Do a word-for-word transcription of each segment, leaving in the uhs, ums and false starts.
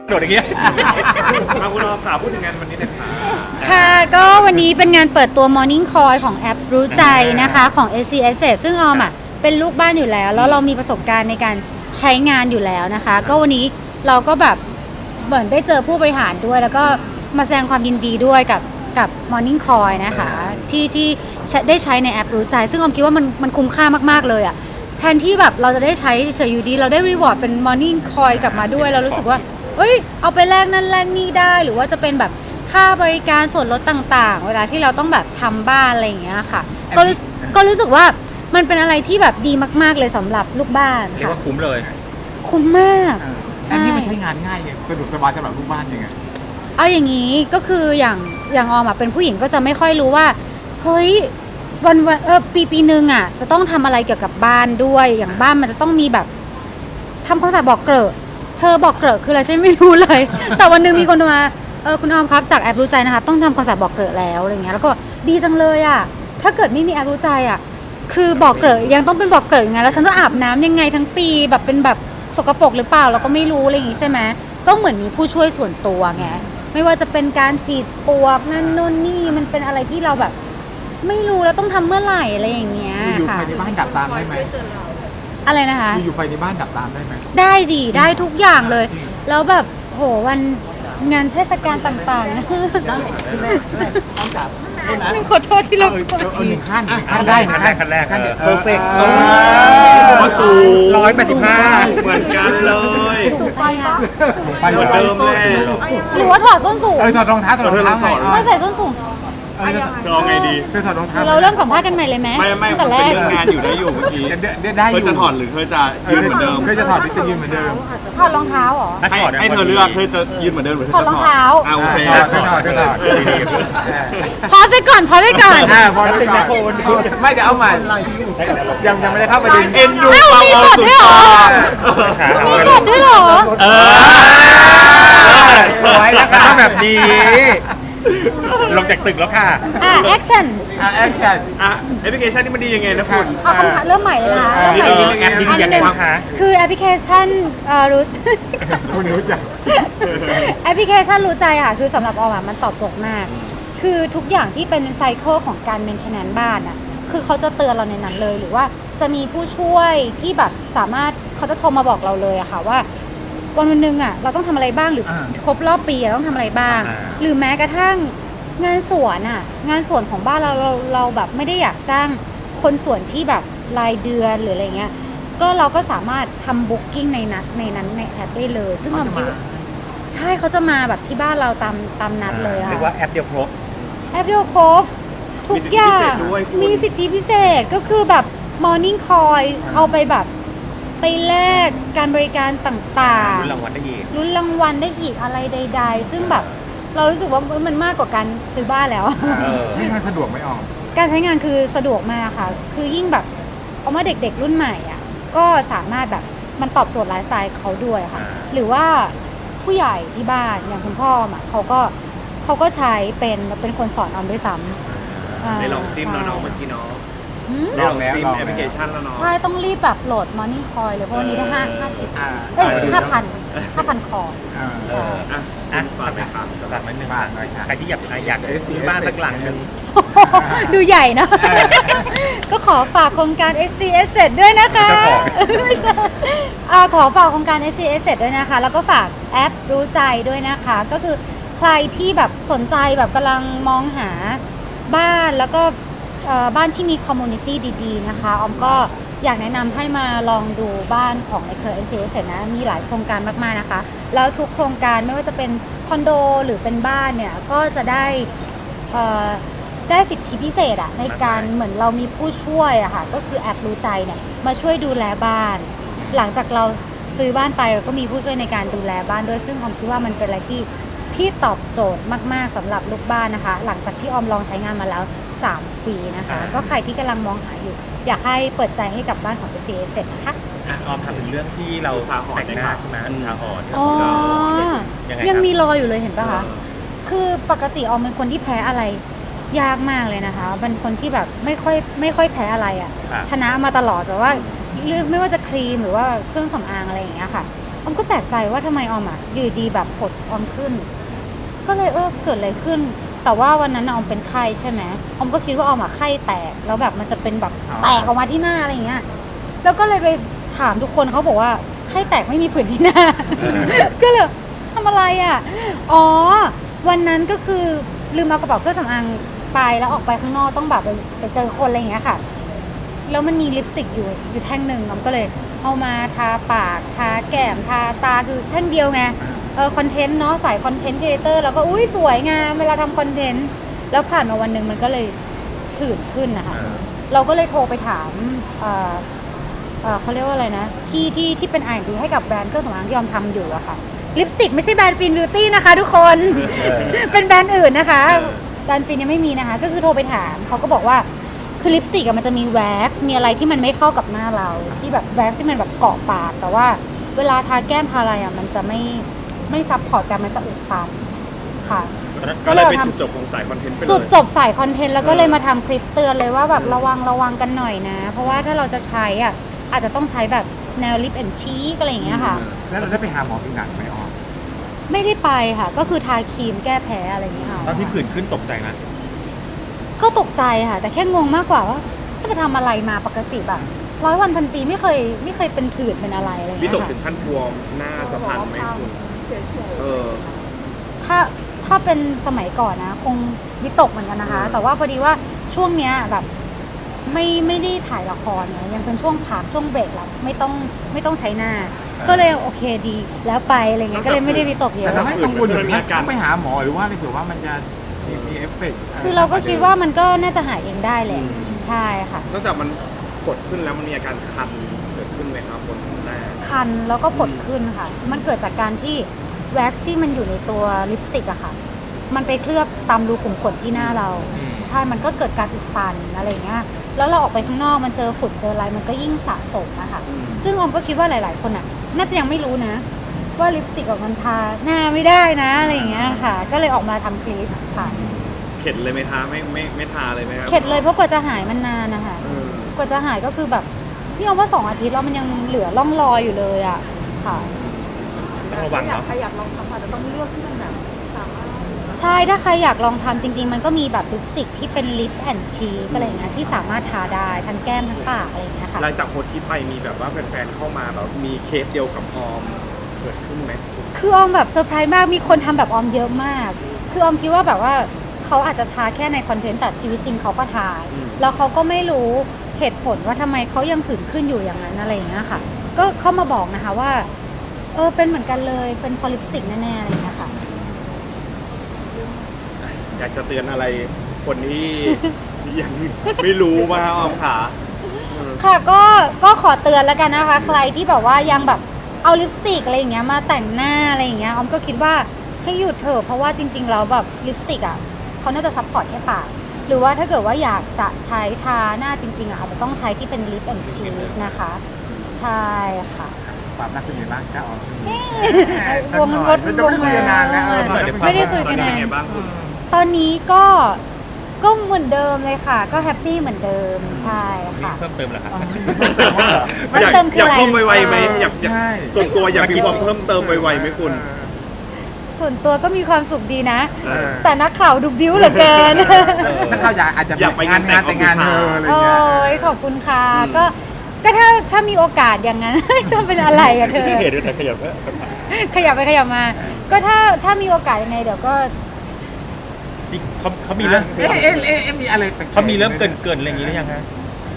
โดดอย่างเงี้ยมาคุณรอข่าวพูดถึงงานวันนี้หน่อยค่ะค่ะก็วันนี้เป็นงานเปิดตัว Morning Call ของแอปรู้ใจนะคะของ เอ ซี Asset ซึ่งออมอ่ะเป็นลูกบ้านอยู่แล้วแล้วเรามีประสบการณ์ในการใช้งานอยู่แล้วนะคะก็วันนี้เราก็แบบเหมือนได้เจอผู้บริหารด้วยแล้วก็มาแสดงความยินดีด้วยกับกับ Morning Call นะคะที่ที่ได้ใช้ในแอปรู้ใจซึ่งออมคิดว่ามันมันคุ้มค่ามากๆเลยอ่ะแทนที่แบบเราจะได้ใช้เฉยๆอยู่ดีเราได้รีวอร์ดเป็น Morning Call กลับมาด้วยเรารู้สึกว่าเอ้ยเอาไปแลกนั่นแลกนี่ได้หรือว่าจะเป็นแบบค่าบริการส่วนลดต่างๆเวลาที่เราต้องแบบทำบ้านอะไรอย่างเงี้ยค่ะก็รู้ก็รู้สึกว่ามันเป็นอะไรที่แบบดีมากๆเลยสำหรับลูกบ้านเรียกค่ะว่าคุ้มเลยคุ้มมากอันนี้มันใช้งานง่ายไงสะดวกสบายสำหรับลูกบ้านยังไงเอาอย่างนี้ก็คืออย่างอย่างออมอะเป็นผู้หญิงก็จะไม่ค่อยรู้ว่าเฮ้ยวันวันเออปีปีหนึ่งอ่ะจะต้องทำอะไรเกี่ยวกับบ้านด้วยอย่างบ้านมันจะต้องมีแบบทำความสะอาดบอกเกลอะเธอบอกเกลอะคืออะไรฉันไม่รู้เลย แต่วันหนึงมีคนมาเออคุณออมครับจากแอปรู้ใจนะคะต้องทำความสะอาดบอกเกลอะแล้วอะไรเงี้ยแล้วก็ดีจังเลยอ่ะถ้าเกิดไม่มีแอปรู้ใจอ่ะคือบอกเกลอะยังต้องเป็นบอกเกลอะยังไงแล้วฉันจะอาบน้ำยังไงทั้งปีแบบเป็นแบบสกปรกหรือเปล่าเราก็ไม่รู้อะไรอย่างงี้ใช่ไหมก็เหมือนมีผู้ช่วยส่วนตัวไงไม่ว่าจะเป็นการฉีดปลวกนั่นนู่นนี่มันเป็นอะไรที่เราแบบ ไม่รู้แล้วต้องทำเมื่อไหร่อะไรอย่างเงี้ยอยู่ค่ะไฟในบ้านดับตามได้ไหมอะไรนะคะอยู่ไฟในบ้านดับตามได้ไหมได้ดีได้ทุกอย่างเลย แล้วแบบโหวันงานเทศกาลต่างๆนะต้องจับขอโทษที่เราเออเออหนึ่งขั้นหนึ่งขั้นได้หนึ่งขั้นแรกขั้นแรกเพอร์เฟกต์ว่าสูงร้อยแปดสิบห้าเหมือนกันเลยสูงไปอ่ะไปเหมือนเดิมแหละหรือว่าถอดส้นสูงเออถอดรองเท้าถอดรองเท้าเออถอดไม่ใส่ส้นสูงเออลองไงดีเธอถอดรองเท้าเราเริ่มสัมภาษณ์กันใหม่เลยไหมไม่ไม่ตั้งมัแต่นแรเป็นกเรื่องงานอยู่ได้อยู่เมื่อกี้เดี๋ยวเดี๋ยวได้อเธอยู่ จะถอดหรือเธอจะยืนเหมือนเดิมเธอจะถอดหรือจะยืนเหมือนเดิมถอดรองเท้าเหรอให้ให้เธอเลือกเธอจะยืนเหมือนเดิมหรือเธอถอดจะรองเท้าอ่ะโอเคถอดถอดถอดถอดเออพอซะก่อนพอซะก่อนอ่าพอได้ก่อนไม่เดี๋ยวเอาใหม่ยังยังไม่ได้เข้าประเด็นเอ็นดูเอ้ามีบทด้วยเหรอ มีสดด้วยเหรอเออไว้แล้วค่ะต้องแบบนี้ ลงจากตึกแล้วค่ะอ่ะแอคชั่นอ่ะแอคชั่นอ่ะแอปพลิเคชันนี่มันดียังไงนะคุณเอาคำถามเริ่มใหม่เลยนะอ่าเริ่มใหม่แอปนี้ดียังไงบ้างคะคือแอปพลิเคชันเอ่อรู้คุณรู้จักแอปพลิเคชันรู้ใจค่ะคือสำหรับออมอะมันตอบโจทย์มาก คือทุกอย่างที่เป็นไซเคิลของการเมนเทนแนนซ์บ้านอ่ะคือเขาจะเตือนเราในนั้นเลย หรือว่าจะมีผู้ช่วยที่แบบสามารถเขาจะโทรมาบอกเราเลยอะค่ะว่าวันวันหนึงอ่ะเราต้องทำอะไรบ้างหรืออา ครบรอบปีอะต้องทำอะไรบ้างอ่าหรือแม้กระทั่งงานสวนอ่ะงานสวนของบ้านเราเราเราแบบไม่ได้อยากจ้างคนสวนที่แบบรายเดือนหรืออะไรเงี้ยก็เราก็สามารถทำบุ๊กิ้งในนัดในนั้นในแอปได้เลย ซึ่งออมคิดว่าใช่เขาจะมาแบบที่บ้านเราตามตามนัดเลยอะเรียกว่าแอปเดียวครบแอปเดียวครบทุกอย่างมีสิทธิพิเศษก็คือแบบ Morning Call เอาไปแบบไปแลกการบริการต่างรุ่นรางวัลได้อีกๆลุ้นรางวัลได้อีกอะไรใดๆ ซึ่งแบบเรารู้สึกว่ามันมากกว่าการซื้อบ้านแล้วเออใช้งานสะดวกไหมออมการใช้งานคือสะดวกมากค่ะ คือยิ่งแบบเอามาเด็กๆรุ่นใหม่อ่ะก็สามารถแบบมันตอบโจทย์ไลฟ์สไตล์เขาด้วยค่ะอ่าหรือว่าผู้ใหญ่ที่บ้านอย่างคุณพ่ออ่ะเขาก็เขาก็ใช้เป็นเป็นคนสอนออมด้วยซ้ำาได้ลองจิ้มแล้วเนาะใช่เมื่อกี้เนาะหืมได้ลองจิ้มลองแล้วแอปพลิเคชันแล้วเนาะใช่ต้องรีบแบบโหลด Morning Call เลยเพราะวันนี้ได้ห้าห้าสิบอ่าเอ้ยเออห้าพันห้าพันคออ่าใช่อ่ะอ่ะฝากไปครับฝากไว้หนึ่งฝากหน่อยค่ะใครที่อยากอยากซื้อบ้านสักหลังหนึ่งดูใหญ่นะเออก็ขอฝากโครงการ เอส ซี Asset ด้วยนะคะเจ้าของไม่ใช่อ่าขอฝากโครงการ เอส ซี Asset ด้วยนะคะ แล้วก็ฝากแอปรู้ใจด้วยนะคะ ก็คือใครที่แบบสนใจแบบกำลังมองหาบ้านแล้วก็เอ่อบ้านที่มีคอมมูนิตี้ดีๆนะคะออมก็อยากแนะนำให้มาลองดูบ้านของในเครือ เอส ซี Asset นะมีหลายโครงการมากๆนะคะ แล้วทุกโครงการไม่ว่าจะเป็นคอนโดหรือเป็นบ้านเนี่ยก็จะได้เอ่อได้สิทธิพิเศษอะในการเหมือนเรามีผู้ช่วยอะค่ะก็คือแอปรู้ใจเนี่ยมาช่วยดูแลบ้าน หลังจากเราซื้อบ้านไปเราก็มีผู้ช่วยในการดูแลบ้านด้วยซึ่งออมคิดว่ามันเป็นอะไรที่ที่ตอบโจทย์มากๆสำหรับลูกบ้านนะคะ หลังจากที่ออมลองใช้งานมาแล้วสามปีนะคะอ่าก็ใครที่กำลังมองหาอยู่ อยากให้เปิดใจให้กับบ้านของ เอส ซี Asset นะคะอ่ะออมทำถึงเรื่องที่เราแต่งหน้าใช่ไหมทาหอนที่อ๋เราอยังไงยังครับมีรอยอยู่เลยเห็นปะคะ คือปกติออมเป็นคนที่แพ้อะไรยากมากเลยนะคะเป็นคนที่แบบไม่ค่อยไม่ค่อยแพ้อะไรอะ่ะครับชนะมาตลอดแต่ว่าเลือกไม่ว่าจะครีมหรือว่าเครื่องสำอางอะไรอย่างเงี้ยค่ะออมก็แปลกใจว่าทำไมออมอ่ะอยู่ดีแบบผดออมขึ้น ก็เลยเออเกิดอะไรขึ้น แต่ว่าวันนั้นน่ะออมเป็นไข้ใช่ไหมออมก็คิดว่าออมอะไข้แตกแล้วแบบมันจะเป็นแบบแตกออกมาที่หน้าอะไรอย่างเงี้ยแล้วก็เลยไปถามทุกคนเขาบอกว่าไข้แตกไม่มีผื่นที่หน้า ก็เลยทำอะไรอ่ะอ๋อวันนั้นก็คือลืมเอากระเป๋าเครื่องสำอางไปแล้วออกไปข้างนอกต้องแบบไปไปเจอคนอะไรอย่างเงี้ยค่ะแล้วมันมีลิปสติกอยู่อยู่แท่งหนึ่งออมก็เลยเอามาทาปากทาแก้มทาตาคือแท่งเดียวไงเออคอนเทนต์เนาะสายคอนเทนต์ครีเอเตอร์แล้วก็อุ้ยสวยงามเวลาทำคอนเทนต์แล้วผ่านมาวันหนึ่งมันก็เลยผื่นขึ้นนะคะเราก็เลยโทรไปถามเอ่อเอ่อเขาเรียกว่าอะไรนะพี่ที่ที่เป็น อาร์ แอนด์ ดี ให้กับแบรนด์เครื่องสำอางที่ยอมทำอยู่อะค่ะลิปสติกไม่ใช่แบรนด์ฟินบิวตี้นะคะทุกคน เป็นแบรนด์อื่นนะคะแบรนด์ฟินยังไม่มีนะคะก็คือโทรไปถามเขาก็บอกว่าคือลิปสติกมันจะมีแว็กซ์มีอะไรที่มันไม่เข้ากับหน้าเราที่แบบแว็กซ์ที่มันแบบเกาะปากแต่ว่าเวลาทาแก้มทาอะไรอะมันจะไม่ไม่ซับพอร์ตกันมันจะอุดตันค่ะก็เลยเป็นจุดจบของสายคอนเทนต์ไปเลยจุดจบสายคอนเทนต์แล้วก็เลยมาทำคลิปเตือนเลยว่าแบบระวังระวังกันหน่อยนะ เพราะว่าถ้าเราจะใช้อ่ะอาจจะต้องใช้แบบแนวลิปแอนชีกอะไรอย่างเงี้ยค่ะแล้วเราได้ไปหาหมอผิวหนังไหมออมไม่ได้ไปค่ะ ก็คือทาครีมแก้แพ้อะไรอย่างเงี้ยค่ะตอนที่ผื่นขึ้นตกใจไหมก็ตกใจค่ะ แต่แค่งงมากกว่าว่าจะไปทำอะไรมาปกติแบบร้อยวันพันปีไม่เคยไม่เคยเป็นผื่นเป็นอะไรอะไรอย่างวิเงี้ยตกค่ะถึงขั้นบวมหน้าจะพันไหมคุณเออถ้าถ้าเป็นสมัยก่อนนะคงวิตกเหมือนกันนะคะ แต่ว่าพอดีว่าช่วงเนี้ยแบบไม่ไม่ได้ถ่ายละครเนี่ยยังเป็นช่วงพักช่วงเบรกแล้วไม่ต้องไม่ต้องใช้หน้า ก็เลยโอเคดีแล้วไปอะไรเงี้ยก็เลยไม่ได้วิตกเยแต่อะจะไม่กังวลถึงมีอาการต้องไปหาหมอหรือว่าอะไรเผื่อว่ามันจะมีมีเอฟเฟกต์คือเราก็คิดว่ามันก็น่าจะหายเองได้แหละใช่ค่ะนอกจากมันกดขึ้นแล้วมันมีอาการคันเกิดขึ้นไหมครับบนหน้าคันแล้วก็ผดขึ้นค่ะ มันเกิดจากการที่แว็กซ์ที่มันอยู่ในตัวลิปสติกอะค่ะ มันไปเคลือบตามรูขุมขนที่หน้าเรา ใช่ มันก็เกิดการอุดตันอะไรเงี้ย แล้วเราออกไปข้างนอกมันเจอฝุ่นเจออะไรมันก็ยิ่งสะสมอะค่ะอืมซึ่งออมก็คิดว่าหลาย ๆ คนอะน่าจะยังไม่รู้นะ ว่าลิปสติกออกมันทาหน้าไม่ได้นะอะไรอย่างเงี้ยค่ะ ก็เลยออกมาทำคลิปค่ะเข็ดเลยไหมทาไม่ไม่ไม่ทาเลยไหมครับเข็ดเลยเพราะกว่าจะหายมันนานนะคะเออกว่าจะหายก็คือแบบนี่เอาว่าสองอาทิตย์แล้วมันยังเหลือร่องรอยอยู่เลยอะค่ะต้องระวังเนาะใครอยากลองทำอาจจะต้องเลือกที่มันแบบสามารถใช่ ถ้าใครอยากลองทำจริง ๆ มันก็มีแบบลิปสติกที่เป็นลิปแอนชีกอะไรอย่างเงี้ยที่สามารถทาได้ทั้งแก้มทั้งปากอะไรอย่างเงี้ยค่ะหลังจากโพสต์ที่ไปมีแบบว่าแฟนๆเข้ามาแบบมีเคสเดียวกับออมเกิดขึ้นไหมคือออมแบบเซอร์ไพรส์มาก มีคนทำแบบออมเยอะมาก คือออมคิดว่าแบบว่าเขาอาจจะทาแค่ในคอนเทนต์แต่ชีวิตจริงเขาก็ทา แล้วเขาก็ไม่รู้เหตุผลว่าทำไมเขายังผื่นขึ้นอยู่อย่างนั้นอะไรอย่างเงี้ยค่ะ ก็เข้ามาบอกนะคะว่าเออเป็นเหมือนกันเลยเป็นพอลิปสติกแน่ๆอะไรอย่างเงี้ยค่ะอยากจะเตือนอะไรคนที่ ยังไม่รู้ว่าออมขาเออค่ะก็ก็ขอเตือนแล้วกันนะคะ ใครที่แบบว่ายังแบบเอาลิปสติกอะไรอย่างเงี้ยมาแต่งหน้าอะไรอย่างเงี้ยออมก็คิดว่าให้หยุดเถอะเพราะว่าจริงๆแล้วแบบลิปสติกอ่ะเขาน่าจะซัพพอร์ตแค่ปากหรือว่าถ้าเกิดว่าอยากจะใช้ทาหน้าจริงๆอ่ะอาจจะต้องใช้ที่เป็นลิปแอนชีกนะคะ ใช่ค่ะความรักเป็นยังไงบ้างจ้าออมวงรถไม่ได้คุยกันนานแล้วเออไม่ได้คุยกันตอนนี้นาเป็นนไงบ้างคุณตอนนี้ก็ก็เหมือนเดิมเลยค่ะ ก็แฮปปี้เหมือนเดิมใช่ค่ะเพิ่มเติมเหรอครับเพิ่มอยากเติมคืออยากอะไรเพิ่มไวๆไหมอยากอยากใช่ส่วนตัวอยากมีความเพิ่มเติมไวๆไหมคุณส่วนตัวก็มีความสุขดีนะเออแต่นักข่าวดูบิ้วเหลือเกินถ้าเขาอยากอาจจะอยากไปงานงานแต่งงานเธออะไรโอ้เงี้ยยขอบคุณค่ะอืมก็ก็ถ้าถ้ามีโอกาสอย่างนั้น จะเป็นอะไรอะเธอที่เห็นด้วยแต่ขยับก็ขยับไปขยับมา ก็ถ้าถ้ามีโอกาสยังไงเดี๋ยวก็จริงเขาเขามีเริ่มเอ๊ะเอ๊ะเอ๊ะเอ๊ะมีอะไรแปลกๆเขามีเริ่มเกินเกินๆอะไรอย่างนี้หรือยังฮะ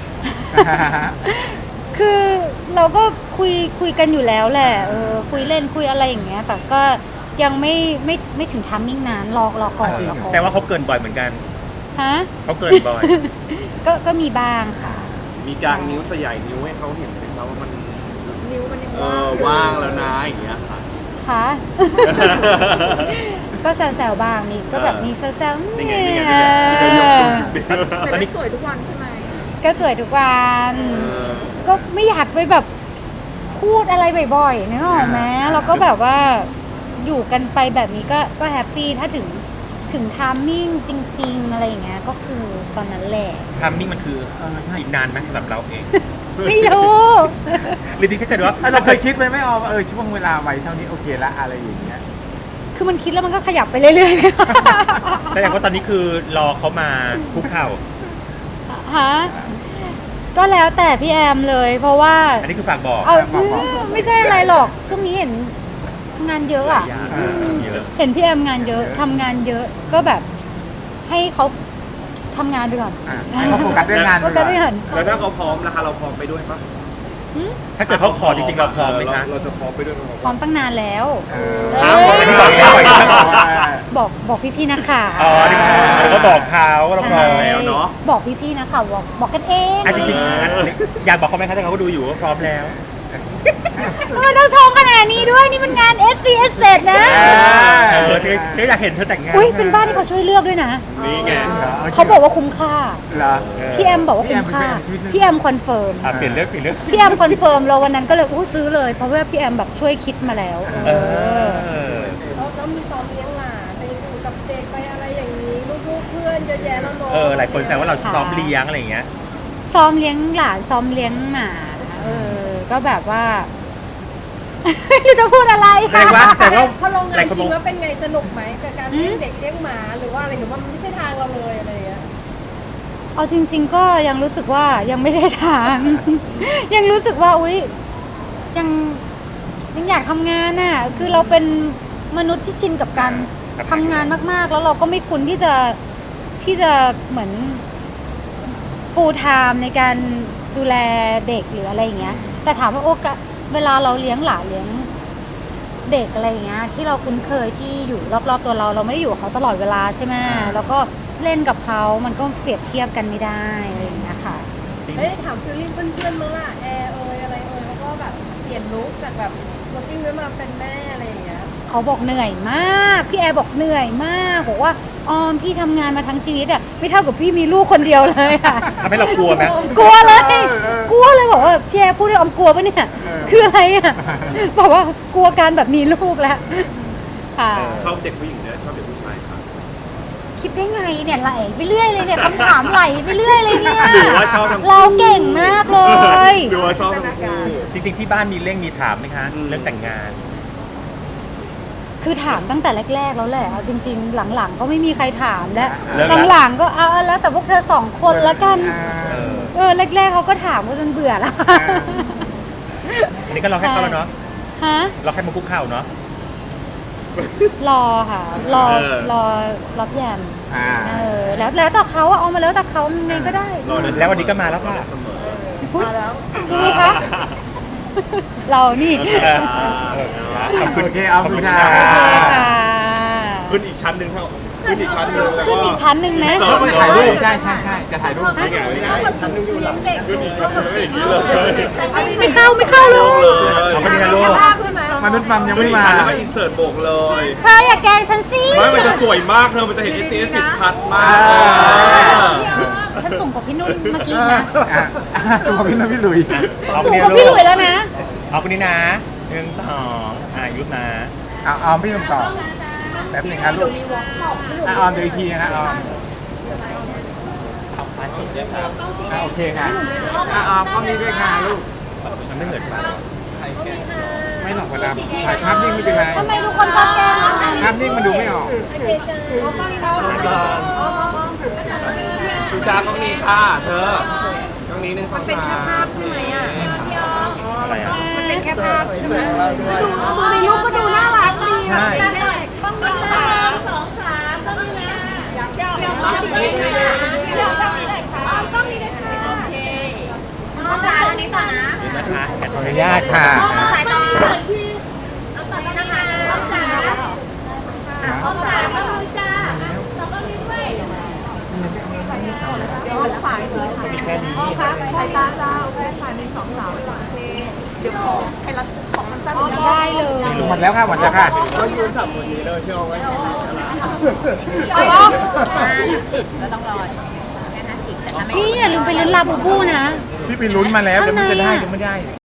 คือเราก็คุยคุยกันอยู่แล้วแหละเออคุยเล่นคุยอะไรอย่างเงี้ย แต่ก็ยังไม่ไม่ไม่ถึงทัมมิ่งนั้นรอรอก่อนจริงรอเหรอก่อนแต่ว่าเขาเกินบ่อยเหมือนกันฮะเขาเกินบ่อยก็ก็มีบ้างค่ะมีกางนิ้วสยายนิ้วให้เขาเห็นไหมครับว่ามันนิ้วมันยังเอว่างอว่างแล้วนะอย่างเงี้ยค่ะค่ะ ก็แซวๆบ้างนี่ก็แบบมีแซวๆนี่ไงเนี่นี่ยไงนี่ไงนี่ไงยกแต่ได้สวยทุกวันใช่ไหมก็สวยทุกวันเออก็ไม่อยากไปแบบพูดอะไรบ่อยๆนึกออกไหมแล้วก็แบบว่าอยู่กันไปแบบนี้ก็ก็แฮปปี้ถ้าถึงถึงไทามมิ่งจริง ๆ อะไรอย่างเงี้ยก็คือตอนนั้นแหละทำนี่มันคือเออใช่อีกนานไหมสำหรับเราเองไม่รู้หรือจริงๆถ้าเกิดว่าเราเคยคิดไหมไม่ออมเออช่วงเวลาไว้เท่านี้โอเคละอะไรอย่างเงี้ยคือมันคิดแล้วมันก็ขยับไปเรื่อยๆเลยแสดงว่าตอนนี้คือรอเขามาคุกเข่าฮะก็แล้วแต่พี่แอมเลย เพราะว่าอันนี้คือฝากบอกเอาบอกบอกไม่ใช่อะไรหรอก ช่วงนี้เห็นงานเยอะอ่ะยากเยอะเห็นพี่แอมงานเยอะทำงานเยอะก็แบบให้เขาทำงานไปก่อนอ่ะให้เขาโฟกัสเรื่องงานโฟไปกัก่สอนไปก่อนแล้วถ้าเขาพร้อมราคาเราพร้อมไปด้วยปะถ้าเกิดเขาขอจริงๆเราพร้อมไหมคะเราจะพร้อมไปด้วยไหมพร้อมตั้งนานแล้วเออเอ้ยอ้าวอันนี้บอกแล้วอีกแล้วบอกบอกพี่ๆนักข่าวอ๋อนี่เขาบอกเขาว่าเราพร้อมแล้วเนาะบอกพี่ๆนักข่าวบอกบอกกันเองอ่ะจริงๆอันนี้อยากบอกเขาไหมคะถ้าเขาดูอยู่ว่าพร้อมแล้วทำไมต้องชมขนาดนี้ด้วยนี่มันงาน เอส ซี เอส เสร็จนะเออฉันฉันอยากเห็นเธอแต่งงานอุ้ยเป็นบ้านที่เขาช่วยเลือกด้วยนะนี่ไงเขาบอกว่าคุ้มค่าเหรอพี่แอมบอกว่าคุ้มค่าพี่แอมพี่แอมคอนเฟิร์มอ่ะเปลี่ยนเรื่องเปลี่ยนเรื่องพี่แอมคอนเฟิร์มเราวันนั้นก็เลยอู้ซื้อเลย เพราะว่าพี่แอมแบบช่วยคิดมาแล้วเอเอออแล้วแล้วมีซ้อมเลี้ยงหมาไปอยู่กับเด็กไปอะไรอย่างนี้ลูกๆเพื่อนเยอะแยะแล้วเนาะเออหลายคนแซวว่าเราซ้อมเลี้ยงอะไรอย่างเงี้ยซ้อมเลี้ยงหลานซ้อมเลี้ยงหมาเออก็แบบว่า ไม่รู้จะพูดอะไรแรงว่าแต่ว่าพอลงหงาลายนคนจบริอกงแล้วเป็นไงสนุกไหมกับการเลี้ยงเด็กเลี้ยงหมาหรือว่าอะไรหรือว่ามันไม่ใช่ทางเราเลยอะไรอย่างเงี้ยเอาจริง ๆ ก็ยังรู้สึกว่ายังไม่ใช่ทาง ยังรู้สึกว่าอุ๊ยยังยังอยากทำงานน่ะคือเราเป็นมนุษย์ที่ชินกับการทำงานมากๆ แล้วเราก็ไม่คุ้นที่จะที่จะเหมือน full time ในการดูแลเด็กหรืออะไรอย่างเงี้ย แต่ถามว่าโอกาสเวลาเราเลี้ยงหลานเลี้ยงเด็กอะไรอย่างเงี้ยที่เราคุ้นเคยที่อยู่รอบๆตัวเราเราไม่ได้อยู่กับเขาตลอดเวลาใช่ไหมแล้วก็เล่นกับเขามันก็เปรียบเทียบกันไม่ได้อะไรอย่างเงี้ยค่ะเอ้ยถามฟิลลิ่งเพื่อนๆมั้งล่ะแอร์เอยอะไรเอยเขาก็แบบเปลี่ยนลุคจากแบบ working มาเป็นแม่อะไรอย่างเงี้ยเขาบอกเหนื่อยมาก พี่แอร์บอกเหนื่อยมากบอกว่าออมพี่ทำงานมาทั้งชีวิตอะไม่เท่ากับพี่มีลูกคนเดียวเลยอะทำให้เรากลัวไหมกลัวเลยกลัวเลยบอกว่าพี่แอร์พูดด้วยออมกลัวปะเนี่ยคืออะไรอะบอกว่ากลัวการแบบมีลูกแล้วค่ะชอบเด็กผู้หญิงเนี่ยชอบเด็กผู้ชายครับคิดได้ไงเนี่ยไหลไปเรื่อยเลยเนี่ยคำถามไหลไปเรื่อยเลยเนี่ยหรือว่าชอบทั้งคู่เราเก่งมากเลยหรือว่าชอบทั้งคู่จริงๆที่บ้านมีเร่งมีถามไหมคะอืมเรื่องแต่งงานคือถามตั้งแต่แรกๆแล้วแหละเอาจริง ๆ หลังๆ ก็ไม่มีใครถามแล้วเลิกแล้วหลังๆก็เอาแล้วแต่พวกเธอสองคนแล้วกันเออเออแรกๆเขาก็ถามก็จนเบื่อแล้วอันนี้ก็รอแค่เขาแล้วเนาะฮะรอแค่มาคุกเข่าเนาะรอค่ะ รอเออรอรอพี่แอมอ่าเออแล้วแล้วแต่เขาอะเอามาแล้วแต่เขาไงก็ได้รอได้แล้ววันนี้ก็มาแล้วค่ะเสมอมาแล้วยังไงคะ เรานี่เออขอบคุณโอเคเอาคุณจ้าโอเคค่ะขึ้นอีกชั้นหนึ่งเท่าขึ้นอีกชั้นหนึ่งแล้วขึ้นอีกชั้นหนึ่งไหมก็ไปถ่ายรูปใช่ใช่ใช่จะถ่ายรูปนี่ไงนี่ไงชั้นหนึ่งอยู่หลังขึ้นอีกชั้นหนึ่งอย่างนี้เลยไม่เข้าไม่เข้าเลลยงเลยเอาไปทีละลูกภาพใช่ไหมมนุษย์มัมยังไม่มาแล้วก็อินเสิร์ตโบกเลยเธออย่าแกล้งฉันสิไม่มันจะสวยมากเธอมันจะเห็น เอส ซี เอส สิบชัดมากฉันสูงกว่าพี่นุ่นเมื่อกี้นะอ่ะตัวพี่น้องพี่หลุยเอาสูไปงทีกละว่าพี่หลูลุกยแล้วนะเอาคนนี้นะหนึ่งสองอายุนะเอาออมพี่หนุ่มต่อแป๊บหนึงครับลูกอ่ะออมเดี๋ยวอีกทีนะครับออมอ่ะโอเคค่ะอ่ะออมกล้องนี้ด้วยค่ะลูกมันไม่เหมือนกันไม่หรอกเวลาถ่ายภาพนิ่งไม่เป็นไรทำไมทุกคนชอบแกล้งอ่ะภาพนิ่งมันดูไม่ออกโอเคจ้าอ๋อกล้องนี้นะชูชากล้องนี้ค่ะเธอกล้องนี้หนึ่งสองสามเป็นแค่ภาพใช่ไหมอ่ะอะไรอ่ะมันเป็นแค่ภาพใช่ไหมดูดูในรูปก็ดูน่ารักดีใช่เด็กต้องมีสามสองสามต้องมีนะอยากเดี๋ยวต้องมีนะอยากต้องมีเลยค่ะต้องมีเลยค่ะโอเคน้องจ๋าตรงนี้ต่อนะเดี๋ยวนะคะแขกขออนุญาญาตตค่ะน้องสายต่อน้องต่อนะคะน้องจ๋าน้องจ๋าต้องมือจ้าเราต้องมีด้วยเดี๋ยวฝ่ายเลยค่ะมีแค่นี้พ่อคะสายตาเจ้าแค่ฝ่ายหนึ่งสองสามโอเคเดี๋ยวขอให้รัดของมันสั้นได้เลยหมดแล้วค่ะหมดแล้วค่ะก็ยืนสับคนนี้เลยที่เอาไว้เอาเหรอพี่อย่าลืมไปลุ้นลาบูบูนะพี่ไปลุ้นมาแล้วแต่ไม่รู้จะได้หรือไม่ได้